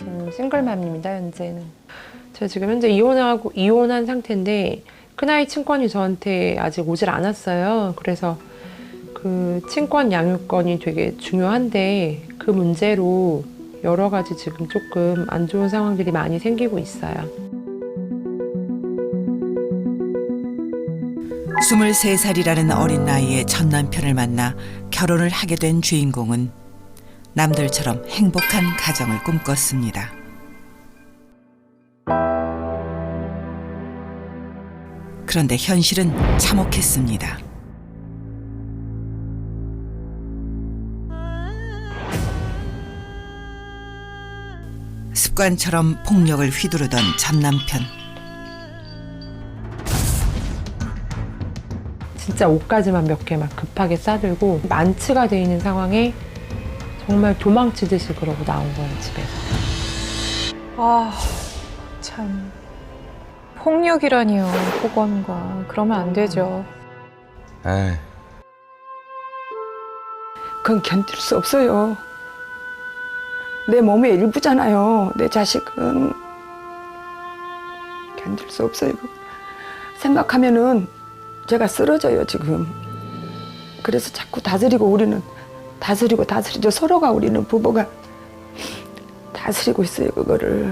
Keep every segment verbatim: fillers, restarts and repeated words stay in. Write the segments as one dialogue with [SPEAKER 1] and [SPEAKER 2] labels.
[SPEAKER 1] 지금 싱글맘입니다, 현재는. 제가 지금 현재 이혼하고, 이혼한 상태인데, 큰아이 친권이 저한테 아직 오질 않았어요. 그래서 그 친권 양육권이 되게 중요한데, 그 문제로 여러 가지 지금 조금 안 좋은 상황들이 많이 생기고 있어요.
[SPEAKER 2] 스물세 살이라는 어린 나이에 전 남편을 만나 결혼을 하게 된 주인공은 남들처럼 행복한 가정을 꿈꿨습니다. 그런데 현실은 참혹했습니다. 습관처럼 폭력을 휘두르던 전 남편.
[SPEAKER 1] 진짜 옷가지만 몇 개 막 급하게 싸들고 만취가 돼 있는 상황에 정말 도망치듯이 그러고 나온 거예요, 집에서.
[SPEAKER 3] 아, 참. 폭력이라니요, 폭언과. 그러면 안 되죠.
[SPEAKER 4] 에이.
[SPEAKER 5] 그건 견딜 수 없어요. 내 몸의 일부잖아요. 내 자식은. 견딜 수 없어요. 생각하면은 제가 쓰러져요, 지금. 그래서 자꾸 다스리고 우리는 다스리고 다스리죠. 서로가 우리는 부부가 다스리고 있어요, 그거를.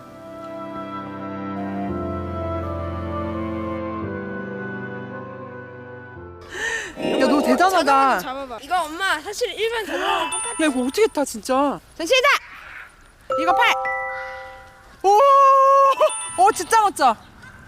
[SPEAKER 6] 야, 너 대단하다.
[SPEAKER 7] 잡아봐. 이거 엄마 사실 일반 자전거랑 똑같아.
[SPEAKER 6] 야, 이거 어떻게 타, 진짜. 전시다! 이거 팔! 오! 어, 진짜 멋져.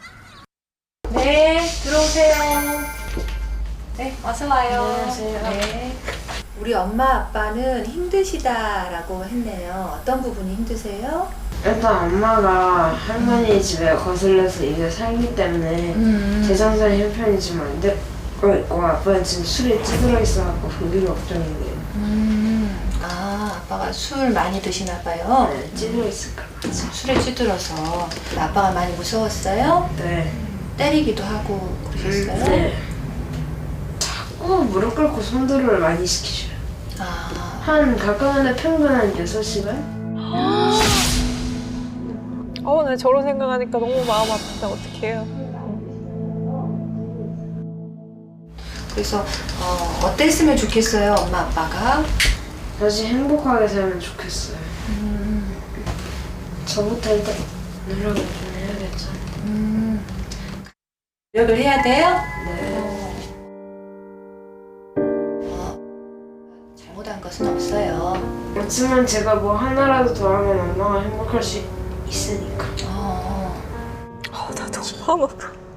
[SPEAKER 8] 네, 들어오세요. 네, 어서 와요.
[SPEAKER 7] 안녕하세요.
[SPEAKER 8] 네. 우리 엄마 아빠는 힘드시다라고 했네요. 어떤 부분이 힘드세요?
[SPEAKER 9] 일단 엄마가 할머니 집에 거슬려서 이제 살기 때문에
[SPEAKER 8] 음.
[SPEAKER 9] 재정상이 형편이 지금 안 되고 있고 아빠는 지금 술에 찌들어 있어갖고 그게 걱정이에요.
[SPEAKER 8] 음. 아, 아빠가 술 많이 드시나 봐요.
[SPEAKER 9] 네, 찌들어 있을까 봐.
[SPEAKER 8] 술에 찌들어서 아빠가 많이 무서웠어요?
[SPEAKER 9] 네.
[SPEAKER 8] 때리기도 하고 그러셨어요?
[SPEAKER 9] 네. 자꾸 무릎 꿇고 손들을 많이 시키셔요.
[SPEAKER 8] 아.
[SPEAKER 9] 한 가끔은 평균 한 여섯 시간?
[SPEAKER 3] 어, 나 저런 생각하니까 너무 마음 아프다. 어떡해요.
[SPEAKER 8] 그래서 어, 어땠으면 좋겠어요, 엄마 아빠가?
[SPEAKER 9] 다시 행복하게 살면 좋겠어요.
[SPEAKER 8] 음.
[SPEAKER 9] 저부터 일단 노력을 좀 해야겠죠.
[SPEAKER 8] 음. 노력을 해야 돼요?
[SPEAKER 9] 네.
[SPEAKER 8] 어, 잘못한 것은 없어요.
[SPEAKER 9] 그렇지만 제가 뭐 하나라도 더 하면 엄마가 행복할 수 있으니까.
[SPEAKER 8] 어.
[SPEAKER 3] 어, 나 너무 마음 아파.